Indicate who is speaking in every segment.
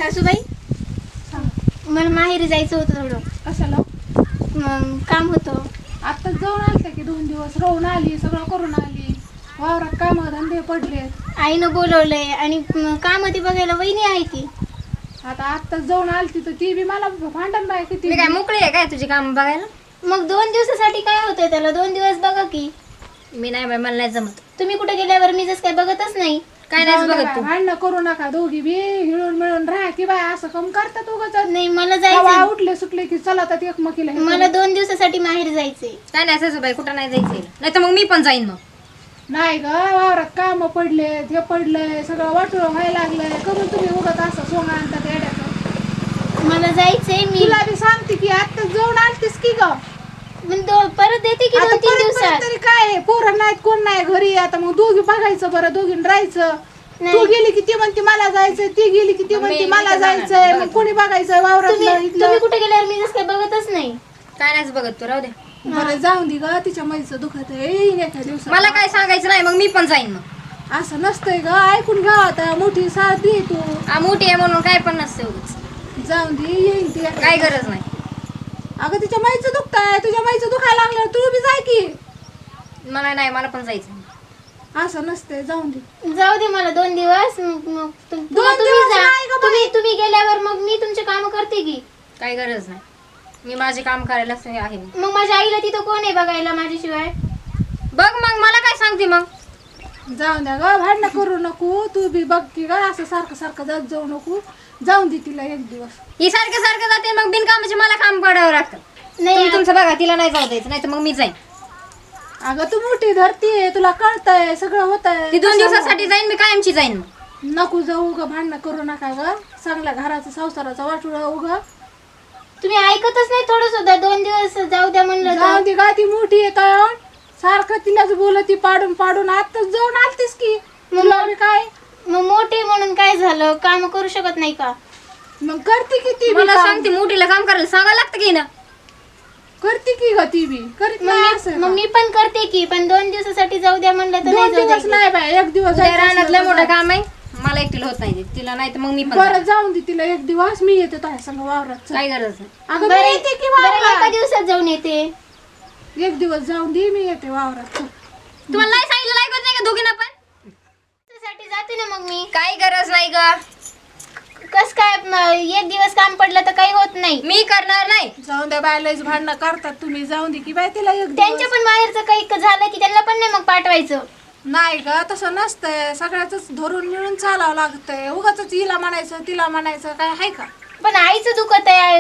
Speaker 1: सासूबाई मला माहेरी जायचं होतं थोडं.
Speaker 2: कशाला?
Speaker 1: काम होतं.
Speaker 2: आता जाऊन आलते की 2 दिवस राहून आली, सगळं करून आली. वावरात काम धंदे पडले.
Speaker 1: आईनं बोलवलंय आणि काम ती बघायला वहिनी आहे ती.
Speaker 2: आता आत्ताच जाऊन आलती तर ती बी मला भांडण बाय किती.
Speaker 3: मी काय मोकळी आहे काय तुझी काम बघायला?
Speaker 1: मग 2 दिवसासाठी काय होतंय त्याला? 2 दिवस बघा की.
Speaker 3: मी नाही बाई, मला नाही जमत.
Speaker 1: तुम्ही कुठे गेल्यावर मी जसं काय बघतच नाही.
Speaker 3: काय नाही बघत तू.
Speaker 2: भांडणं करू नका दोघी बी, हिळून मिळून राहा की बाय. असं कम करतात उगाच.
Speaker 1: नाही मला जायचं.
Speaker 2: उठले सुटले की चला तर एकमेकीला हे
Speaker 1: मला 2 दिवसासाठी माहेर जायचंय.
Speaker 3: काय नाही सासूबाई, कुठं नाही जायचंय. नाही तर मग मी पण जाईन. मग
Speaker 2: नाही ग, वावरात काम पडले, हे पडलंय, सगळं वाटून व्हायला लागलंय. करून तुम्ही उगाच असं सोंगा आणतात येड्याचं.
Speaker 1: मला जायचंय. मी
Speaker 2: तुला बी सांगते की आता जाऊन आलतीस की ग.
Speaker 1: परत येते की 2-3 दिवसात.
Speaker 2: तरी काय पोरं नाहीत, कोण नाही घरी. आता मग दोघी बघायचं बरं, दोघींनी राहायचं. तू गेली की ती म्हणते मला जायचंय, ती गेली की ती म्हणते मला जायचंय. मग कोणी बघायचं वावरात?
Speaker 1: तुम्ही कुठे गेल्यावर मी जसं काय बघतच नाही.
Speaker 3: काय नाही बघत तू, राहू दे.
Speaker 2: बरं जाऊन दे ग, तिच्या मैचं दुखत आहे एका दिवसात.
Speaker 3: मला काय सांगायचं नाही, मग मी पण जाईन. मग
Speaker 2: असं नसतंय ग, ऐकून घ्या. आता मोठी साथ दे तू.
Speaker 3: मोठी आहे म्हणून काय पण नसते उगाच.
Speaker 2: जाऊन दे, येईन ती.
Speaker 3: काय गरज नाही.
Speaker 2: अगं तिच्या माईचं दुखताय, तुझ्या माईचं दुखायला लागलं, तू बी जाय की.
Speaker 3: मला नाही, मला पण जायचं.
Speaker 2: असं नसतंय, जाऊन दे.
Speaker 1: जाऊ दे मला 2 दिवस. मग
Speaker 2: दिवस नाही गं बाई.
Speaker 1: तुम्ही गेल्यावर मग मी तुमचे काम करते की.
Speaker 3: काय गरज नाही, मी माझे काम करायला आहे.
Speaker 1: मग माझ्या आईला तिथं कोण आहे बघायला माझ्याशिवाय?
Speaker 3: बघ मग मला काय सांगते. मग
Speaker 2: जाऊन द्या ग, भांडणं करू नको. तू बी बघ की ग, असं सारखं सारखं जात जाऊ नको. जाऊन दे तिला 1 दिवस.
Speaker 3: ही सारखं सारखं जाते, मग बिनकामाचे मला काम पडावं लागतं.
Speaker 1: नाही
Speaker 3: तुम्ही तुमचं बघा, तिला नाही जाऊ द्यायचं, नाही तर मग मी जाईन.
Speaker 2: अगं तू मोठी धरतीये, तुला कळतंय सगळं होतंय.
Speaker 3: ती 2 दिवसासाठी जाईन, मी कायमची जाईन. मग
Speaker 2: नको जाऊ ग, भांडणं करू नका ग. चांगल्या घराचं संसाराचा वाटोळा उग.
Speaker 1: तुम्ही ऐकतच नाही थोडं सुद्धा. 2 दिवस जाऊ द्या म्हणलं
Speaker 2: जाऊ
Speaker 1: तर.
Speaker 2: दे गा, ती मोठी येत सारखं तिलाच बोलती पाडून पाडून. आताच जाऊन आलतीस की. तुला बी काय
Speaker 1: मग मोठे म्हणून काय झालं? काम करू शकत नाही का?
Speaker 2: मग करते की ती बी
Speaker 3: मला
Speaker 2: काम.
Speaker 3: सांगते, मोठीला काम करायला सांगायला लागतं की ना.
Speaker 2: करते की ग ती बी. करीत नाही असं
Speaker 1: मग
Speaker 2: का?
Speaker 1: मी पण करते की, पण 2 दिवसासाठी जाऊ द्या म्हणलं तर
Speaker 2: 2
Speaker 1: नाही जाऊ
Speaker 2: दिवस
Speaker 1: द्यायचं.
Speaker 2: नाही बाय, 1 दिवस
Speaker 3: उद्या
Speaker 2: जायचं
Speaker 3: रानातलं
Speaker 2: असलं तर
Speaker 3: मोठं
Speaker 2: जा.
Speaker 3: काम आहे, मला एकटीला होत नाही. तिला नाही तर मग मी पण
Speaker 2: बरं
Speaker 3: जाईन.
Speaker 2: जाऊन दे तिला 1 दिवस. मी येते तुझ्या संग वावरात. चल.
Speaker 3: काय गरज नाही.
Speaker 2: अगं
Speaker 1: बरं
Speaker 2: मी येते की
Speaker 1: बरं, एका
Speaker 2: वावरात.
Speaker 1: दिवसात जाऊन येते.
Speaker 2: 1 दिवस जाऊन दे, मी येते वावरात. चल.
Speaker 3: तुम्हाला नाही सांगितलं ऐकत नाही का दोघींना पण?
Speaker 1: साठी जाते ना मग मी.
Speaker 3: काही गरज नाही ग.
Speaker 1: कस काय 1 दिवस काम पडलं तर काही होत नाही.
Speaker 3: मी करणार नाही.
Speaker 2: जाऊन द्या बाय, लयच भांडणं करतात तुम्ही. जाऊन दे की बाय तिला 1
Speaker 1: त्यांच्या
Speaker 2: दिवस.
Speaker 1: पण माहेरचं काही झालं की त्यांना पण नाही मग पाठवायचं.
Speaker 2: नाही ग, तसं नसतंय. सगळ्याच धरून मिळून चालावं लागतंय. उगाच हिला म्हणायचं तिला म्हणायचं काय आहे का?
Speaker 1: पण आईचं दुखत आहे.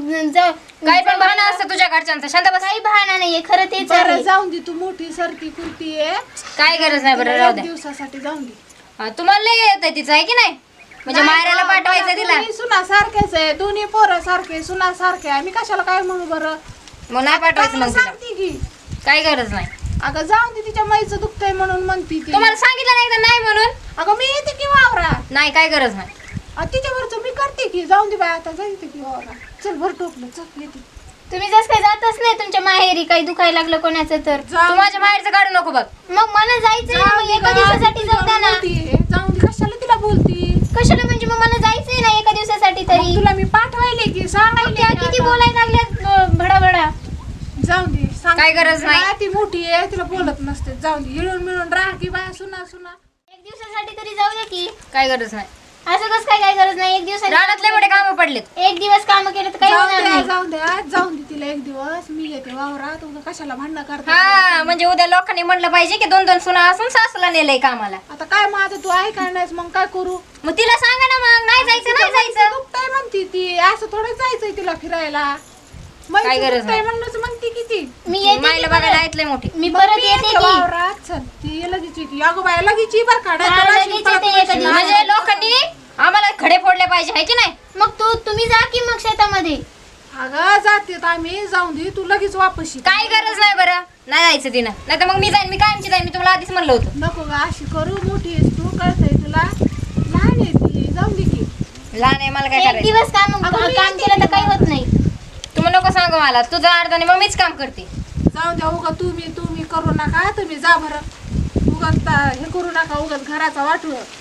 Speaker 3: काही पण बहाणा असतं तुझ्या घरच्यांचा. शांत बस.
Speaker 1: काही बहाणा नाहीये, खरं तेच
Speaker 2: बरं
Speaker 1: आहे.
Speaker 2: जाऊन दे, तू मोठी सरती कुर्ती आहे.
Speaker 3: काय गरज नाही. बरं राहू
Speaker 2: 1
Speaker 3: द्या.
Speaker 2: दिवसासाठी जाऊन दे.
Speaker 3: तुम्हाला लय येत तिचं आहे की नाही? म्हणजे मायराला पाठवायचं तिला.
Speaker 2: सुना सारखेच आहे, दोन्ही पोरं सारखे, सुना सारखे आहे. मी कशाला काय म्हणू बरं?
Speaker 3: मग नाही पाठवायचं मग तिला.
Speaker 2: सांगते की.
Speaker 3: काही गरज नाही.
Speaker 2: अगं जाऊन दे, तिच्या माईचं दुखतंय म्हणून म्हणती ती.
Speaker 3: तुम्हाला सांगितलं नाही तर नाही म्हणून.
Speaker 2: अगं मी येते की वावरात.
Speaker 3: नाही, काय गरज नाही.
Speaker 2: तिच्यावरच मी करते की. जाऊन दे बाय, आता जायचं की वावरात. चल भर टोपलं, चल येते.
Speaker 1: तुम्ही जस काही जातच नाही तुमच्या माहेरी. काही दुखायला लागलं कोणाचं तर.
Speaker 3: तू माझ्या माहेरचं काढू नको बघ.
Speaker 1: मग मला जायचंय ना, मग एका दिवसासाठी जाऊ द्या ना.
Speaker 2: जाऊन दे, कशाला तिला बोलती?
Speaker 1: कशाला म्हणजे? मग मला जायचंय ना एका दिवसासाठी
Speaker 2: मग
Speaker 1: तरी.
Speaker 2: तुला मी पाठवायले की
Speaker 1: त्या
Speaker 2: सांगायले
Speaker 1: किती बोलायला लागल्या भडाभडा.
Speaker 2: जाऊन दे, सांग.
Speaker 3: काय गरज नाही.
Speaker 2: हा, ती मोठी आहे, तिला बोलत नसते. जाऊन दे, हिळून मिळून राहा की बाया सुना सुना.
Speaker 1: 1 दिवसासाठी तरी जाऊ द्या की.
Speaker 3: काय गरज नाही.
Speaker 1: असं कसं काय गरज नाही? 1 दिवसासाठी
Speaker 3: रानातले मोठे काम पडलेत.
Speaker 1: 1 दिवस काम केलं तर काही
Speaker 2: जाऊन
Speaker 1: होणार
Speaker 2: द्या,
Speaker 1: नाही.
Speaker 2: जाऊन द्या, जाऊन दे तिला 1 दिवस. मी येते वावरात. उगा कशाला भांडणं करता?
Speaker 3: हा, म्हणजे उद्या लोकांनी म्हणलं पाहिजे की 2-2 सुना असून सासूला नेलंय कामाला.
Speaker 2: आता काय मग, आता तू ऐकाय नाहीस मग काय करू?
Speaker 3: मग तिला सांगा ना, मग नाही जायचं नाही जायचं.
Speaker 2: दुखतंय म्हणती ती. असं थोडं जायचंय तिला फिरायला.
Speaker 3: काय गरज नाही.
Speaker 2: म्हणूनच म्हणती किती.
Speaker 1: मी येते
Speaker 3: मायला
Speaker 1: की
Speaker 3: बघायला
Speaker 1: परत.
Speaker 3: ऐकलंय मोठी.
Speaker 1: मी परत येते की.
Speaker 2: वावरात चल. ती लगेच येते. अगं बाया लगेच ये बरं का.
Speaker 1: हा,
Speaker 2: नाहीतर अशी
Speaker 1: लगेच
Speaker 2: पळत
Speaker 1: येते
Speaker 2: पळत
Speaker 1: एका
Speaker 2: येशील.
Speaker 3: म्हणजे लोकांनी आम्हाला खडे फोडले पाहिजे आहे की नाही?
Speaker 1: मग तुम्ही जा की मग शेतामध्ये.
Speaker 2: अगं जाते आम्ही. जाऊन दे, तू लगेच वापस ये.
Speaker 3: काय गरज नाही. बरं नाही जायचं तिनं. नाही तर मग मी जाईन. मी कायमची जाईन. मी तुम्हाला आधीच म्हणलं होतं.
Speaker 2: नको ग अशी करू. मोठी आहेस तू, कळतंय तुला. लहान आहे ती. जाऊन दे की.
Speaker 3: लहान आहे, मला काय
Speaker 1: 1
Speaker 3: करायचं.
Speaker 1: दिवस काम
Speaker 2: अगं, मी
Speaker 1: काम
Speaker 2: येते
Speaker 1: केलं तर
Speaker 2: की
Speaker 1: काही होत नाही.
Speaker 3: तुम्ही नको सांगू मला. तुझं अर्धाने मग मीच काम करते.
Speaker 2: जाऊन द्या. उगा तुम्ही करू नका. तुम्ही जा बरं. उगाच हे करू नका. उगाच घराचा वाटू.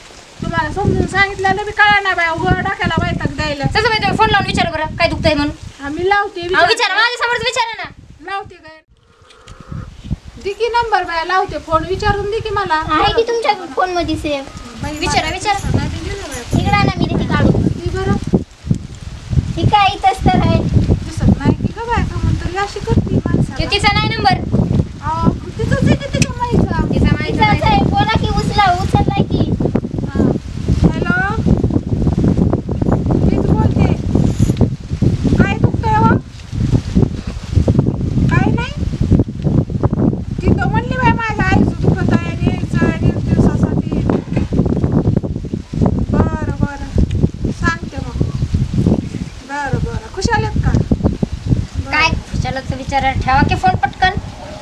Speaker 2: तुम्हाला समजून सांगितलं मी कळा ना बाय उघड टाकायला वैताग द्यायला.
Speaker 3: तसं बाई तुम्ही फोन लावून विचारा बरं काय दुखतंय म्हणून.
Speaker 2: आम्ही लावते
Speaker 3: विचारा माझ्या समोरच विचारा ना.
Speaker 2: लावते काय दे की नंबर बाय लावते फोन विचारून दे की मला.
Speaker 1: आहे की तुमच्या फोन मध्ये सेव्ह?
Speaker 3: विचारा विचारा.
Speaker 1: इकडे ना मी ती काढू.
Speaker 2: ती बरं
Speaker 1: ही काय इथंच तर आहे.
Speaker 2: दिसत नाही की का बाय का म्हणतो अशी करते माणसाला.
Speaker 3: तिचा नाही नंबर.
Speaker 2: तिथंच आहे की तिच्या माईचा.
Speaker 3: तिचा माहिती
Speaker 1: इथंच आहे. बोला की उचललाय की.
Speaker 2: हॅलो मीच बोलते. काय दुखतंय हो? काय नाही तिथं म्हणली बाय माझ्या आईचं दुखत आहे आणि यायचं आणि एक दिवसासाठी. बरं बरं सांगते मग. बरं बरं खुशाल आहेत का?
Speaker 3: काय खुशालच विचारा ठेवा की फोन पटकन.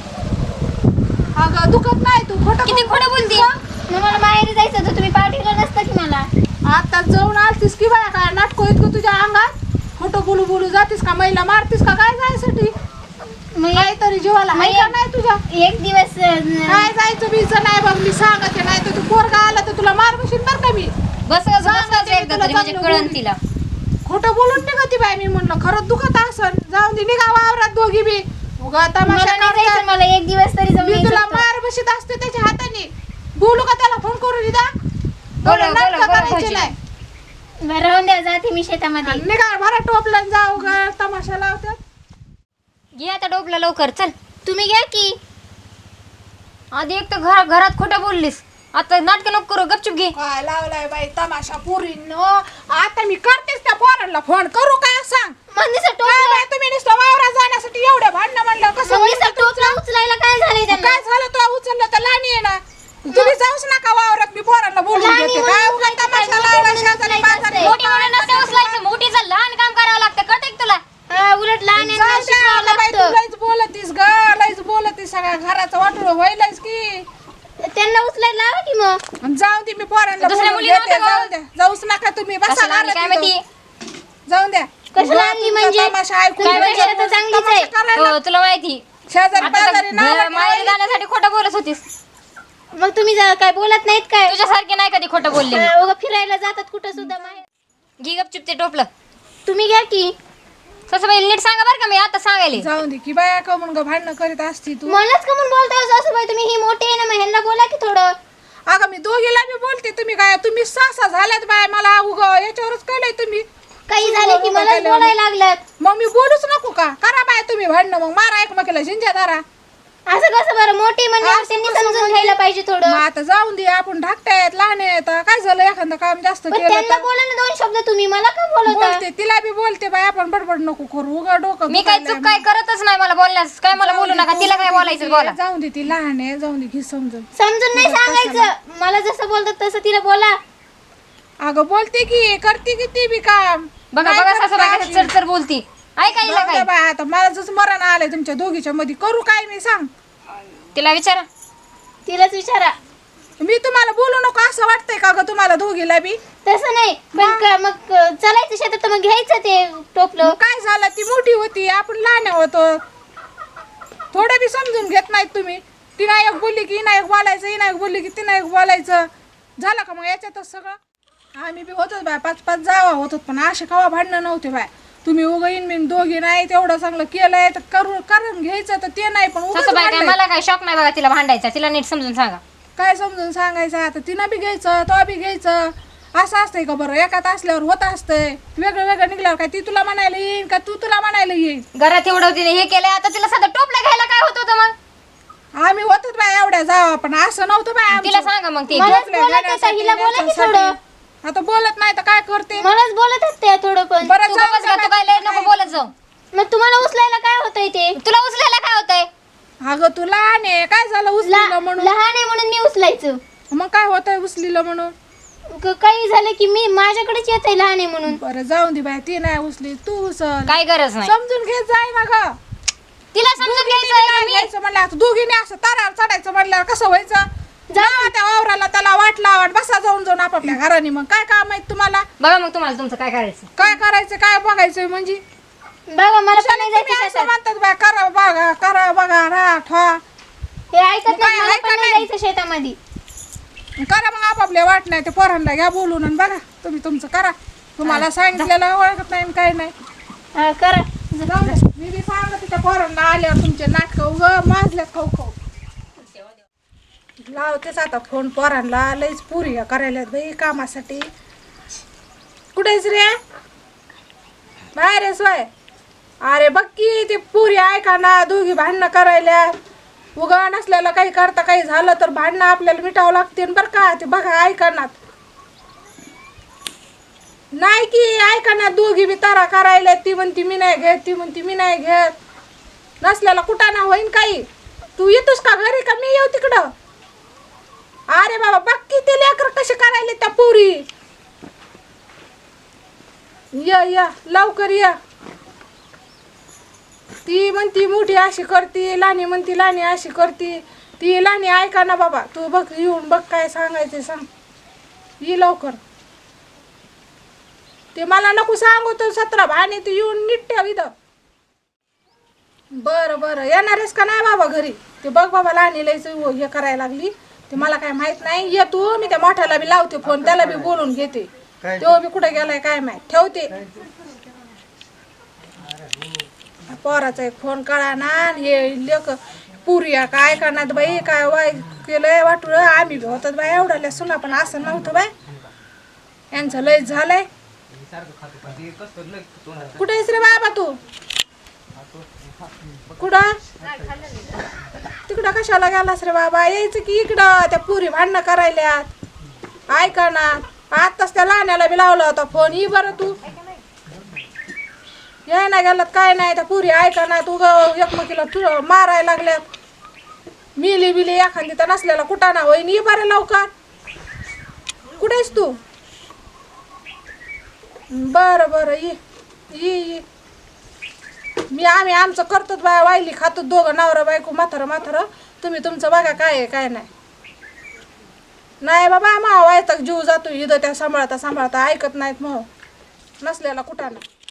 Speaker 2: अगं दुखत नाही तू खोटं
Speaker 3: किती खोटं बोलते.
Speaker 1: मग मला माहेरी जायचं होतं तुम्ही पाठवलं नसतं की मला.
Speaker 2: आता जाऊन आलतीस की बाया काय नाटको इतकं तुझ्या अंगात. खोटं बोलू बोलू जातीस का महिला मारतीस का काय जायसाठी?
Speaker 1: मग
Speaker 2: काहीतरी जीवाला आहे का नाही तुझ्या?
Speaker 1: एक दिवस
Speaker 2: काय जायचं बीचं नाही बघ मी सांगते नाही तर तू पोरगा आला तर तुला मार बशीन बरं का मी.
Speaker 3: बस एकदा तरी म्हणजे कळण तिला.
Speaker 2: खोटं बोलून निघती बाय मी म्हणलं खरंच दुखत असन जाऊन दे निघा वावरात दोघी बी उगा तमाशा
Speaker 1: मला नाही
Speaker 2: करतात.
Speaker 1: जायचं. मला एक दिवस तरी जाऊन
Speaker 2: मी
Speaker 1: यायचं
Speaker 2: तुला
Speaker 1: होतं.
Speaker 2: मार बशीत असते त्याच्या हाताने. बोलू का त्याला फोन करून दिदा?
Speaker 3: बोला,
Speaker 2: नाटकं
Speaker 3: बोला,
Speaker 2: करायचे
Speaker 3: भाऊजी.
Speaker 2: नाही.
Speaker 1: बरं, राहून द्या जाते मी शेतामध्ये.
Speaker 2: निघा भरा टोपलं जाऊ गा तमाशा लावतात.
Speaker 3: घे आता डोबला लवकर चल.
Speaker 1: तुम्ही घ्या की.
Speaker 3: आधी एक तर घरात खोटं बोललीस. आता नाटक नको करू गपचूप घे.
Speaker 2: काय लावलाय बाई तमाशा पुरीनो. आता मी करतेच त्या पोरांना फोन करू काय सांग.
Speaker 1: मंदीचं
Speaker 2: काय बाई तुम्ही नुसतं वावरात जाण्यासाठी एवढे भांडणं म्हणलं कसं होईल
Speaker 1: मंदीचं टोपलं उचलायला काय झालंय त्यांना?
Speaker 2: काय झालं तुला उचललं तर लाणी आहे ना. तुम्ही जाऊच नका वावरात मी पोरांना बोलून
Speaker 1: लहानी
Speaker 2: घेते.
Speaker 1: म्हणून
Speaker 2: काय उगा
Speaker 1: उचलायचं
Speaker 2: तमाशा
Speaker 1: काय?
Speaker 2: लावला
Speaker 1: मोठी
Speaker 2: शेजारी
Speaker 1: म्हणून
Speaker 2: पाजारी.
Speaker 1: उचलायचं.
Speaker 3: मोठी म्हणून नसते उचलायचं. मोठीचं लहान काम करावं लागतं कळतंय का तुला.
Speaker 1: हा, उलट लहान यांना
Speaker 2: जाऊ द्या,
Speaker 1: शिकवावं
Speaker 2: आता बाई तू
Speaker 1: लागतं.
Speaker 2: लईच बोलतीस ग लईच बोलतीस सगळ्या घराचं वाटोळ व्हायलाच की.
Speaker 1: त्यांना उचलायला लावा की मग.
Speaker 2: आणि जाऊ दे मी पोरांना
Speaker 3: दुसऱ्या
Speaker 2: बोलून
Speaker 3: मुलीला
Speaker 2: घेते.
Speaker 3: नव्हतं का?
Speaker 2: जाऊ द्या जाऊच नका तुम्ही बसा
Speaker 3: कसं लागली काय
Speaker 2: घरात
Speaker 3: माहिती.
Speaker 2: इथं. जाऊन द्या
Speaker 1: कशाला
Speaker 2: उगा
Speaker 1: आणली
Speaker 2: तुमचा
Speaker 1: म्हणजे?
Speaker 2: तमाशा ऐकून
Speaker 1: काय
Speaker 2: घ्यायचा.
Speaker 1: म्हणजे? आता चांगलीच आहे.
Speaker 2: तमाशा करायला
Speaker 3: हो तुला माहिती.
Speaker 2: शेजारी
Speaker 3: आता
Speaker 2: पाजारी नाव
Speaker 3: माहेरी जाण्यासाठी खोटं बोलत होतीस.
Speaker 1: मग तुम्ही काय बोलत नाहीत काय?
Speaker 3: तुझ्यासारखी नाही कधी खोटं बोलले मी.
Speaker 1: उगा फिरायला जातात कुठं सुद्धा माहेर.
Speaker 3: घे गपचूप ते टोपलं.
Speaker 1: तुम्ही घ्या की.
Speaker 3: सासूबाई नीट सांगा बरं का मी आता सांगायले.
Speaker 2: जाऊन दे की बाया का म्हणून भांडणं करीत असती तू.
Speaker 1: मलाच का म्हणून बोलताय सासूबाई तुम्ही? ही मोठी आहे ना मग ह्यांना बोला की थोडं.
Speaker 2: अगं मी दोघीला बी बोलते तुम्ही काय तुम्ही सासा झाल्यात बाय मला उगा याच्यावरच कळलंय तुम्ही.
Speaker 1: काही झालं की मलाच बोलायला लागल्यात.
Speaker 2: मग मी बोलूच नको का करा बाय तुम्ही भांडणं मग मारा एकमेकीला झिंज्या दारा.
Speaker 1: असं कसं बरं? मोठी म्हणल्यावर
Speaker 2: असं
Speaker 1: त्यांनी
Speaker 2: कसं
Speaker 1: समजून
Speaker 2: म्हणजे?
Speaker 1: घ्यायला पाहिजे
Speaker 2: मग
Speaker 1: थोडं.
Speaker 2: आता जाऊन दे आपण धाकट्यात लहान आहेत काय झालं एखादं काम जास्त
Speaker 1: पण
Speaker 2: केलं
Speaker 1: त्यांना
Speaker 2: तर
Speaker 1: बोला ना दोन शब्द. तुम्ही मला का बोलवता?
Speaker 2: बोलते तिला बी बोलते बाय आपण बडबड नको करू उगा डोकं
Speaker 3: मी काय
Speaker 2: दुखायलंय
Speaker 3: चूक काय करतच नाही मला बोलण्यास. काय मला बोलू नका. तिला काय बोलायचं बोला.
Speaker 2: जाऊन दे ती लहान आहे जाऊन दे घे समजून.
Speaker 1: समजून नाही सांगायचं. मला जसं बोलतात तसं तिला बोला.
Speaker 2: अगं बोलते की करते की ती बी काम.
Speaker 3: बघा
Speaker 2: नाही
Speaker 3: बघा
Speaker 2: करत
Speaker 3: सासूबाई
Speaker 2: अशी.
Speaker 3: चढचढ बोलती. ऐकायला
Speaker 2: जाऊ
Speaker 3: काय
Speaker 2: दे बाय आता मला जसं मरण आलंय तुमच्या दोघीच्या मध्ये करू काय मी सांग.
Speaker 3: तिला विचारा.
Speaker 1: तिलाच विचारा.
Speaker 2: मी तुम्हाला बोलू नको असं वाटतंय का ग तुम्हाला दोघीला बी.
Speaker 1: तसं नाही पण मग चालायचं शेतात तर मग घ्यायचं ते टोपलं.
Speaker 2: मग काय झालं ती मोठी होती आपण लहान होतो. थोडं बी समजून घेत नाहीत तुम्ही. ती नायक बोलली की नायक बोलायचं ही नायक बोलली की ती नायक बोलायचं. झालं का मग याच्यातच सगळं. आम्ही बी होतोच बाय 5-5 जावा होतो पण असे कवा भांडणं नव्हते बाय. तुम्ही उगीन मी दोघी नाही तेवढं चांगलं केलंय तर करून घ्यायचं तर ते नाही पण उगाच
Speaker 3: सासूबाई काय
Speaker 2: भांडायचं.
Speaker 3: मला काय शॉक नाही बघा तिला भांडायचा. तिला नीट समजून सांगा.
Speaker 2: काय समजून सांगायचं आता तिनं बी घ्यायचं तो बी घ्यायचं असं असतंय का बरं एकात असल्यावर होत असतंय. वेगळं वेगळं निघल्यावर काय ती तुला म्हणायला येईन का तू तुला म्हणायला येईन.
Speaker 3: घरात एवढं तिने हे केलंय आता तिला साधं टोपलं घ्यायला काय होत होतं मग.
Speaker 2: आम्ही होतच बाय एवढ्या जावा पण असं नव्हतं बाय आमचं.
Speaker 3: तिला सांगा मग ते.
Speaker 1: मला-
Speaker 2: टोपल्या
Speaker 1: बोलत होता,
Speaker 2: घेण्यासाठी,
Speaker 1: हिला बोला की
Speaker 2: याच्यासाठी.
Speaker 1: थोडं.
Speaker 2: आता बोलत नाही तर काय करते.
Speaker 1: मलाच बोलत असते थोडं पण.
Speaker 2: बरं
Speaker 3: तू
Speaker 2: जाऊ
Speaker 3: बस
Speaker 2: दे
Speaker 3: तू काय लय नको बोलत जाऊ.
Speaker 1: मग तुम्हाला उचलायला काय होतंय ते?
Speaker 3: तुला उचलायला काय होतंय.
Speaker 2: अगं तू लहान आहे काय झालं उचलीलं म्हणून.
Speaker 1: लहान आहे म्हणून मी उचलायचं.
Speaker 2: मग काय होतंय उचलीलं म्हणून.
Speaker 1: काही झालं की मी माझ्याकडेच येत आहे लहान आहे म्हणून.
Speaker 2: बरं जाऊन दे बाय ती नाही उचली तू उचल.
Speaker 3: काय गरज नाही.
Speaker 2: समजून घेत जाय ना ग.
Speaker 3: तिला समजून घ्यायचं
Speaker 2: काय घ्यायचं म्हणलं आता दोघीने असं तारावर चढायचं म्हणल्यावर कसं व्हायचं. जावा त्या वावराला त्याला वाट लावट बसा जाऊन जाऊन आपापल्या घराने. मग काय काम आहे तुम्हाला.
Speaker 3: बघा मग तुम्हाला तुमचं काय करायचं.
Speaker 2: काय करायचं काय बघायचं म्हणजे.
Speaker 1: बघा मला पण नाही
Speaker 2: तुम्ही
Speaker 1: जायचं
Speaker 2: असं
Speaker 1: शेतात.
Speaker 2: म्हणतात बाय करा बघा राहा ठा.
Speaker 1: हे ऐकत
Speaker 2: मग
Speaker 1: नाही.
Speaker 2: काय
Speaker 1: मला
Speaker 2: ऐका
Speaker 1: पण नाही
Speaker 2: नाही.
Speaker 1: जायचं शेतामध्ये.
Speaker 2: करा मग आपापल्या वाट नाही ते पोरांना घ्या बोलून आणि बघा तुम्ही तुमचं करा. तुम्हाला सांगितलेलं ओळखत नाही आणि काही नाही.
Speaker 1: करा
Speaker 2: जाऊ दे. मी बी सांगत त्या पोरांना आल्यावर तुमचे नाटकं उग माजल्यात खाऊ खाऊ. लावतेच आता फोन पोरांना. लईच पुरी करायला बाई कामासाठी. कुठेच रे बाहेर आहेस वय? अरे बघ की ते पुरी ऐका ना दोघी भांडणं करायला. उगा नसल्याला काही करता काही झालं तर भांडणं आपल्याला मिटावं लागते बरं का. ते बघा ऐका ना नाही की ऐका ना दोघी बी तारा करायला. ती म्हणती मी नाही घेत ती म्हणती मी नाही घेत. नसल्याला कुठं ना होईन काही. तू येतोस का घरी का मी येऊ तिकडं? अरे बाबा बघ की ते लेकर कसे करायले त्या पुरी. या लवकर या. ती म्हणती मोठी अशी करती लहानी म्हणती लहानी अशी करती. ती लहानी ऐका ना बाबा. तू बघ येऊन बघ काय सांगायचं सांग. ये लवकर. ते मला नको सांगू तर 17 भाणी तू येऊन नीट ठेव इथं. बरं येणारेस का नाही बाबा घरी? ते बघ बाबा लहानी लयच हे करायला लागली. ते मला काय माहित नाही. ये तू मी त्या मोठ्याला बी लावते फोन. त्याला बी बोलून घेते. तो बी कुठे गेलाय काय माहित. ठेवते. पोराचा एक फोन कळा ना. हे लेक पुरिया काय करणार बाई काय वाय केलंय वाटू. आम्ही बी होतात बाई एवढ्या सुना पण असं नव्हतं बाई. यांचं लयच झालंय. कुठे आहेस रे बाबा तू? कुठं तिकडं कशाला गेलास रे बाबा? यायचं की इकडं. त्या पुरी भांडणं करायल्यात. ऐका ना आताच त्या लहान्याला बी लावला होता फोन. ये बरं तू. याय ना गेलात काय नाही. त्या पुरी ऐका ना तू एकमेकीला मारायला लागल्यात. मिली बिली एखादी तर नसलेला कुठं ना होईन. ये बरं लवकर. कुठेस तू? बरं ये. आम्ही आमचं करतो बाया वायली खातो दोघं नवरा बायको म्हातारं. तुम्ही तुमचं बघा काय आहे काय नाही. नाही बाबा मा वायतक जीव जातो इथं त्या सांभाळता ऐकत नाहीत मग नसलेला कुठं ना.